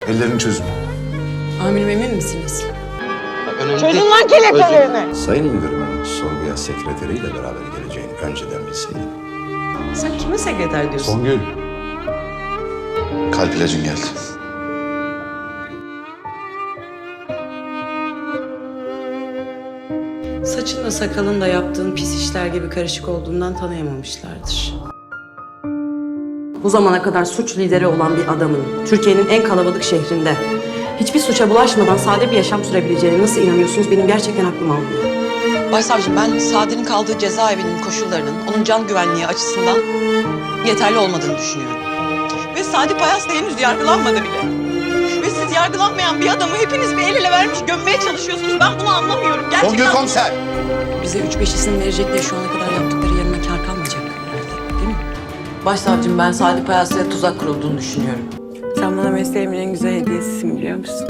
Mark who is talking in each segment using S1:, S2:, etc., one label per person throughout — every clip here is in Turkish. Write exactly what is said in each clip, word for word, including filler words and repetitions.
S1: Ellerini çözün.
S2: Amirim emin misiniz?
S3: Çözün lan kelepçelerini.
S4: Sayın Müdürümün sorguya sekreteriyle beraber geleceğini önceden bilseydim.
S2: Sen kime sekreter diyorsun?
S1: Songül. Kalp ilacın geldi.
S2: Saçınla sakalın da yaptığın pis işler gibi karışık olduğundan tanıyamamışlardır. Bu zamana kadar suç lideri olan bir adamın Türkiye'nin en kalabalık şehrinde hiçbir suça bulaşmadan sade bir yaşam sürebileceğine nasıl inanıyorsunuz? Benim gerçekten aklım almıyor.
S5: Başsavcım, ben Sadi'nin kaldığı cezaevinin koşullarının onun can güvenliği açısından yeterli olmadığını düşünüyorum. Ve Sadi Payas da henüz yargılanmadı bile. Ve siz yargılanmayan bir adamı hepiniz bir el ele vermiş gömmeye çalışıyorsunuz. Ben bunu anlamıyorum. Gerçekten...
S1: Songül komiser.
S2: Bize üç beş isim verecek diye şu ana kadar yaptıkları yerine kâr kalmayacak herhalde, değil mi?
S5: Başsavcım, ben Sadi Payas'la tuzak kurulduğunu düşünüyorum.
S6: Sen bana mesleğimin en güzel hediyesisin, biliyor musun?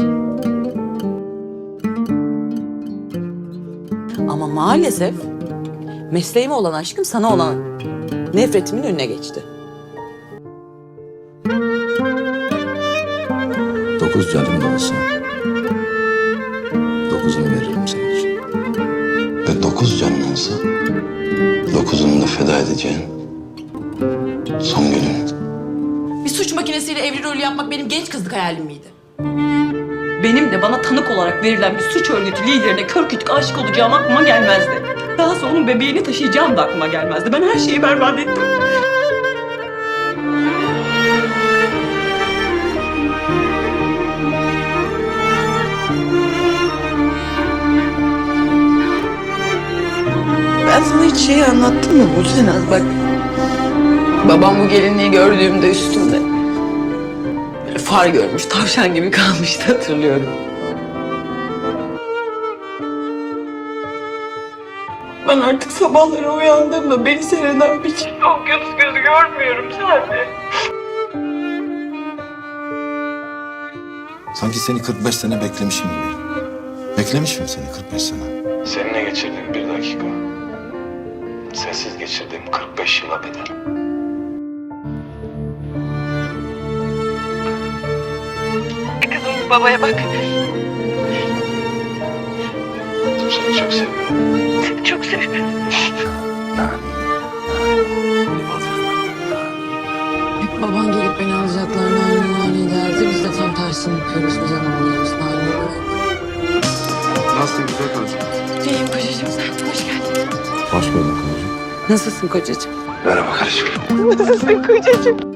S5: Ama maalesef mesleğime olan aşkım sana olan nefretimin önüne geçti.
S4: Dokuz canım olsa dokuzunu veririm senin için. Ve dokuz canın olsa dokuzunu da feda edeceğin Songül'ün.
S5: Bir suç makinesiyle evli rolü yapmak benim genç kızlık hayalim miydi? Benim de bana tanık olarak verilen bir suç örgütü liderine kör kütük aşık olacağım aklıma gelmezdi. Daha sonra onun bebeğini taşıyacağım da aklıma gelmezdi. Ben her şeyi berbat ettim. Ben sana hiç şeyi anlattım mı Gülsenaz? Bak, babam bu gelinliği gördüğümde üstümde böyle far görmüş, tavşan gibi kalmıştı, hatırlıyorum. Ben artık sabahları uyandığımda beni seyreden bir çift okyanus gözü görmüyorum sadece.
S4: Sanki seni kırk beş sene beklemişim gibi. Beklemişim seni kırk beş sene.
S7: Seninle geçirdiğim bir dakika, sensiz geçirdiğim kırk beş yıla bedel.
S5: Kızım, babaya bak.
S7: Seni çok seviyorum.
S5: Seni çok seviyorum.
S2: Hep baban gelip beni alacaklar, nani nani derdi. Biz de tam tersini yapıyoruz, biz anlamıyoruz nani nani.
S1: Nasılsın güzel karıcığım?
S5: İyiyim kocacığım, sen hoş geldin.
S4: Hoş bulduk kocacığım.
S2: Nasılsın kocacığım?
S4: Merhaba karıcığım.
S5: Nasılsın kocacığım?